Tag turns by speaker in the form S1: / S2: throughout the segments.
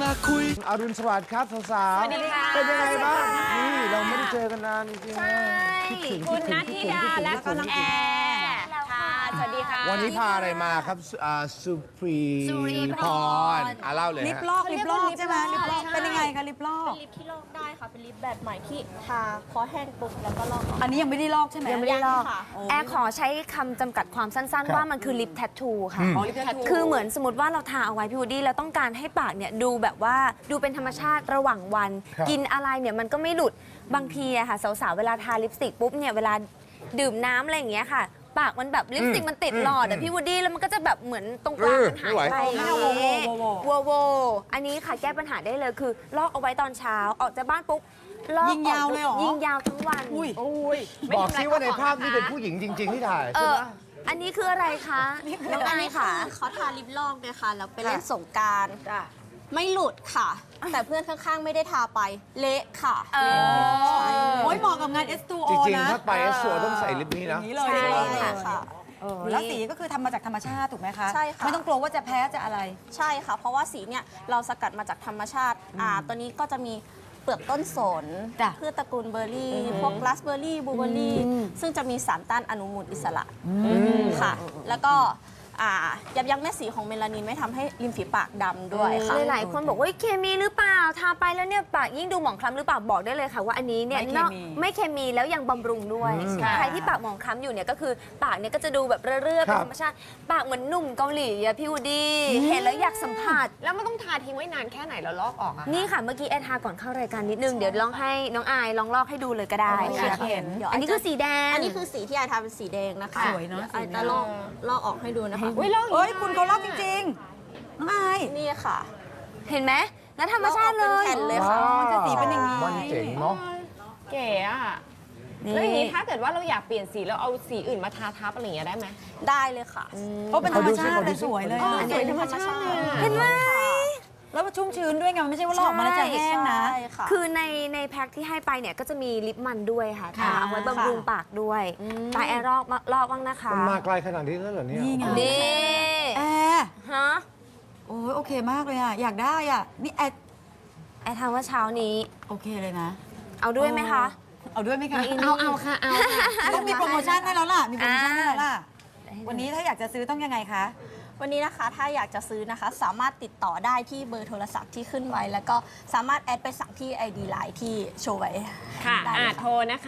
S1: มาคุย
S2: อรุณสวัสดิ์ครับสาวๆเป็นยังไงบ้างนี่เราไม่ได้เจอกันนานจริงๆคิดถึง
S3: คุณนัทธิดาและก็น้องแอร์ค่ะสวัสดีค่ะ
S2: วันนี้พาอะไรมาครับสุพรีพรเล่าเลย
S4: ลิปลอกใช่ไหมลิปลอกเป็นยังไงคะลิปลอก
S5: เป็นลิปที่ลอกได้ค่ะเป็นลิปแบบใหม่ที่ทาพอแห้งปุ๊บแล้วก็ลอก
S4: อันนี้ยังไม่ได้ลอกใช่ไหม
S3: ยังไม่ได้ลอก
S5: ค่ะ
S3: แอร์ขอใช้คำจำกัดความสั้นๆ ว่ามันคือลิปแทททูค่ะ
S4: ลิปแทททู
S3: คือเหมือนสมมติว่าเราทาเอาไว้พี่วูดดี้แล้วต้องการให้ปากเนี่ยดูแบบว่าดูเป็นธรรมชาติระหว่างวัน กินอะไรเนี่ยมันก็ไม่หลุดบางทีอะค่ะสาวๆเวลาทาลิปสติกปุ๊บเนี่ยเวลาดื่มน้ำอะไรอย่างเงี้ยค่ะ ปากมันแบบลิปสติกมันติดหลอดอะพี่วูดดี้แล้วมันก็จะแบบเหมือนตรงกลางมันหายไปโวอันนี้ค่ะแก้ปัญหาได้เลยคือลอกเอาไว้ตอนเช้าออกจากบ้านปุ๊บลอก
S4: ยิงยาวเลยเหรอ
S3: ยิงยาวทั้งวัน
S2: บอกซิว่าในภาพนี้เป็นผู้หญิงจริง ๆ ที่ถ่ายใช่ไหม
S3: อันนี้คืออะไรคะน้องอายค่ะ
S5: เขาทาลิปลอกเนี่ยค่ะแล้วไปเล่นสงกรานต์ไม่หลุดค่ะ แต่เพื่อนข้างๆไม่ได้ทาไปเละค่ะ
S4: โอ้ยเหมาะกับงาน S2O
S2: จริง
S4: นะ
S2: ๆถ้าไปสวยต้องใส่ลิปนี้นะ
S4: นี้เลย
S3: ใช่
S5: ค่ะ
S4: แล้วสีก็คือทำมาจากธรรมชาติถูกไหมคะ
S5: ใช่ค่ะ
S4: ไม่ต้องกลัวว่าจะแพ้จะอะไร
S5: ใช่ค่ะ เพราะว่าสีเนี่ยเราสกัดมาจากธรรมชาติตัวนี้ก็จะมีเปลือกต้นสน
S4: จ้ะ
S5: พืชตระกูลเบอร์รี่ พวกราสเบอร์รี่บลูเบอร์รี่ ซึ่งจะมีสารต้านอนุมูลอิสระค่ะ แล้วก็ยับยั้งแม่สีของเมลานินไม่ทำให้ริมฝีปากดำด้วยค่ะ
S3: หลายๆคนบอกว่าเคมีหรือเปล่าทาไปแล้วเนี่ยปากยิ่งดูหมองคล้ำหรือเปล่าบอกได้เลยค่ะว่าอันนี้เนี่ย
S4: ไม่เคมี
S3: ไม่เคมีแล้วยังบำรุงด้วย ใครที่ปากหมองคล้ำอยู่เนี่ยก็คือปากเนี่ยก็จะดูแบบเรื่อยๆเป็นธรรมชาติปากเหมือนหนุ่มเกาหลีอะพี่วูดดี้เห็นแล้วอยากสัมผัส
S6: แล้วมันต้องทาทิ้งไว้นานแค่ไหนแล้วลอกออกอะ
S3: นี่ค่ะเมื่อกี้แอร์ทาก่อนเข้ารายการนิดนึงเดี๋ยวลองให้น้องอายลองลอกให้ดูเลยก็ได้
S4: อยากเห็น
S3: อันนี้คือสีแดง
S5: อันนี้คือสีที่ไอทาเป็นสีแดงนะคะ
S4: สวยเนอะ
S5: ดี๋ไอจะลอกออกให้ดูนะคะ
S6: อุ้ยลอก
S4: เอ้ยคุณเขาลอกจริงๆน้องอาย
S5: นี่ค่ะ
S3: เห็นไหมแล้วธรรมชาติเล
S5: ลอกออกเป็นแผ่
S3: ย
S5: นเลยค่ะ
S4: จะสีเป็นอย่างนี้
S2: มันเจ๋งเนาะ
S6: เก๋อะแล้วอย่างนี้ถ้าเกิดว่าเราอยากเปลี่ยนสีแล้วเอาสีอื่นมาทาทับอะไรอย่างเงี้ยได้ไหม
S5: ได้เลยค่ะ
S4: เพราะเป็นธรรมชาติเลยสวยเลย
S3: อันนี้เป็นธรรมชาติ
S4: เห็นไหมแล้วมันชุ่มชื้นด้วยไงมันไม่ใช่ว่าลอกออกมาแล้วจะแห้งนะ
S5: ใช่ค่ะ
S3: คือในแพ็คที่ให้ไปเนี่ยก็จะมีลิปมันด้วยค่ะทาเอาไว้บำรุงปากด้วยตาแอร์ลอกบ้างนะคะ
S2: มันมาไกลขนาดนี้แล้วเหรอเนี่ย
S4: นี่ไง
S3: นี่
S4: แอร์
S3: ฮะ
S4: โอ้ยโอเคมากเลยอ่ะอยากได้อ่ะนี่แอร์
S3: แอร์ทำว่าเช้านี้
S4: โอเคเลยนะ
S3: เอาด้วยไหมคะ
S4: เอาด้วยไหมคะ
S6: เอาค่ะเอาค่ะ
S4: ต้องมีโปรโมชั่นให้แล้วล่ะมีโปรโมชั่นให้แล้วล่ะวันนี้ถ้าอยากจะซื้อต้องยังไงคะ
S5: วันนี้นะคะถ้าอยากจะซื้อนะคะสามารถติดต่อได้ที่เบอร์โทรศัพท์ที่ขึ้นไว้ แล้วก็สามารถแอดไปสั่งที่ ID Line ที่โชว์ไว้
S6: ค่ะ
S5: ได้เลย
S6: โทรนะคะ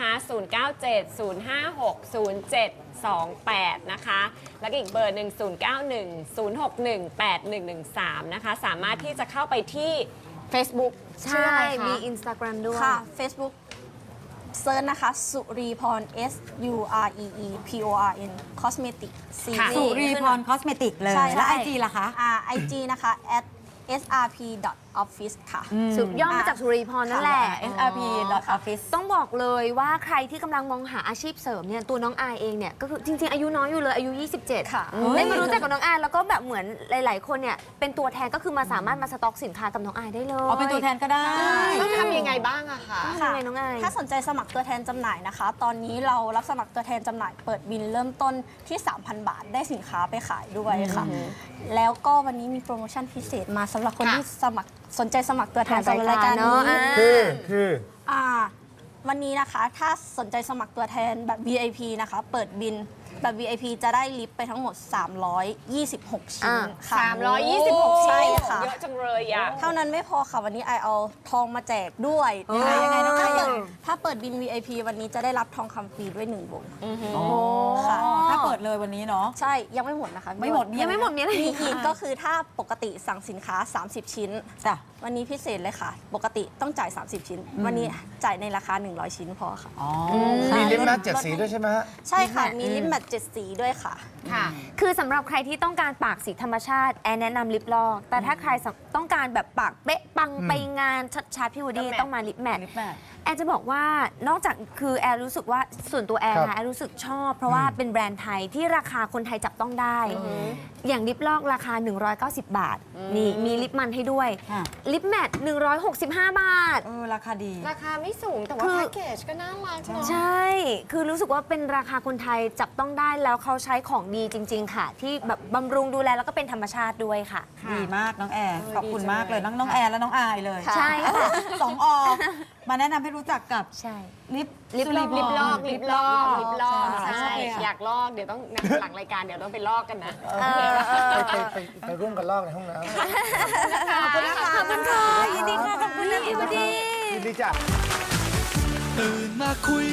S6: 0970560728 นะคะ แล้วก็อีกเบอร์หนึ่ง0910618113 นะคะ สามารถที่จะเข้าไปที่ Facebook
S3: ใช่ มี Instagram ด้วย
S5: ค่ะ Facebook เซิร์ชนะคะสุรีพร SUREEPORN Cosmetic
S6: ค่ะ
S4: สุรีพรคอสเมติกเลย
S5: ใช่
S4: แล้วไอจีล่ะคะ
S5: IG นะคะ @srp.office ค่ะ
S3: สุดย่อมาจากสุรีพรนั่นแหละ
S4: srp.office
S3: ต้องบอกเลยว่าใครที่กำลังมองหาอาชีพเสริมเนี่ยตัวน้องอายเองเนี่ยก็คือจริง ๆ อายุน้อยอยู่เลยอายุ 27
S5: ค่ะ
S3: ได้มารู้จักกับน้องอายแล้วก็แบบเหมือนหลาย ๆ คนเนี่ยเป็นตัวแทนก็คือมาสามารถมาสต็อกสินค้ากับน้องอายได้เลย
S4: อ๋อเป็นตัวแทนก็ได้
S6: ต้องทำยังไงบ้างอะคะ
S3: ทำยังไงน้องอาย
S5: ถ้าสนใจสมัครตัวแทนจำหน่ายนะคะ ตอนนี้เรารับสมัครตัวแทนจำหน่ายเปิดบินเริ่มต้นที่ 3,000 บาทได้สินค้าไปขายด้วยค่ะ แล้วก็วันนี้มีโปรโมชั่นพิเศษมาสำหรับคนที่สนใจสมัครตัวแทนสำหรับรายการนี้
S2: คือ
S5: วันนี้นะคะถ้าสนใจสมัครตัวแทนแบบ VIP นะคะ เปิดบินแบบ VIP จะได้ลิฟต์ไปทั้งหมด 326 ชิ้นค่ะ
S6: 326
S5: ใช่
S6: ชิ้น
S5: ค่ะ
S6: เยอะจังเลยอะ
S5: เท่านั้นไม่พอค่ะ วันนี้ไอเอาทองมาแจกด้วย
S4: ยังไงน้องไอ
S5: ถ้าเปิดบิน VIP วันนี้จะได้รับทองคำฟรีด้วย1 วง
S4: โอ้
S5: ค่ะ
S4: ถ้าเปิดเลยวันนี้เนาะ
S5: ใช่ยังไม่หมดนะคะ
S4: ไม่หมด
S3: ยังไม่หมดมีอะไร
S5: มี
S3: อีก
S5: อีกก็คือถ้าปกติสั่งสินค้า 30 ชิ้น
S4: จ้ะ
S5: วันนี้พิเศษเลยค่ะ ปกติต้องจ่าย 30 ชิ้น วันนี้จ่ายในราคา 100 ชิ้นพอค่ะ
S4: อ๋อ
S2: มีลิปแมท7 สีด้วยใช่ไหมฮะ
S5: ใช่ค่ะ มีลิปแมท7 สีด้วยค่ะ
S6: ค่ะ
S3: คือสำหรับใครที่ต้องการปากสีธรรมชาติแอนแนะนำลิปลอก แต่ถ้าใครต้องการแบบปากเป๊ะปังไปงานชัดๆพี่วูดดี้ต้องมาลิปแมท
S4: ลิปแมท
S3: แอร์จะบอกว่านอกจากคือแอร์รู้สึกว่าส่วนตัวแอร์
S2: ครับ
S3: นะแอร์รู้สึกชอบ เพราะว่าเป็นแบรนด์ไทยที่ราคาคนไทยจับต้องได้ อย่างลิปลอกราคา 190 บาท นี่มีลิปมันให้ด้วย
S4: ค่ะ
S3: ลิปแมท165 บาท
S4: ราคาดี
S6: ราคาไม่สูงแต่ว่า
S3: คือ
S6: แพ็กเกจก็น่ารักเนาะ
S3: ใช่ คือรู้สึกว่าเป็นราคาคนไทยจับต้องได้แล้วเขาใช้ของดีจริง ๆ ค่ะ ที่แบบบำรุงดูแลแล้วก็เป็นธรรมชาติด้วยค่ะ
S4: ดีมากน้องแอร์ขอบอบคุณมากเลยน้องแอนและน้องอายเลย
S3: ใช่ค่ะ
S4: สองอมาแนะนำให้รู้จักกับ
S3: ใช่
S4: ลิป
S3: ลิปลอก
S6: ลิปลอกลิปลอก
S4: ใช่
S6: ใช่อยากลอกเดี๋ยวต้องหลังรายการเดี๋ยวต้องไปลอกกันนะ
S2: ไปร่วมกันลอกในห้องน้ำ
S4: ขอบคุณนะคะ
S3: ขอบคุณค่ะยินดีค่ะขอบคุณนะพี่วูดดี้
S2: ยินดีจ้ะ
S1: ตื่นมาคุย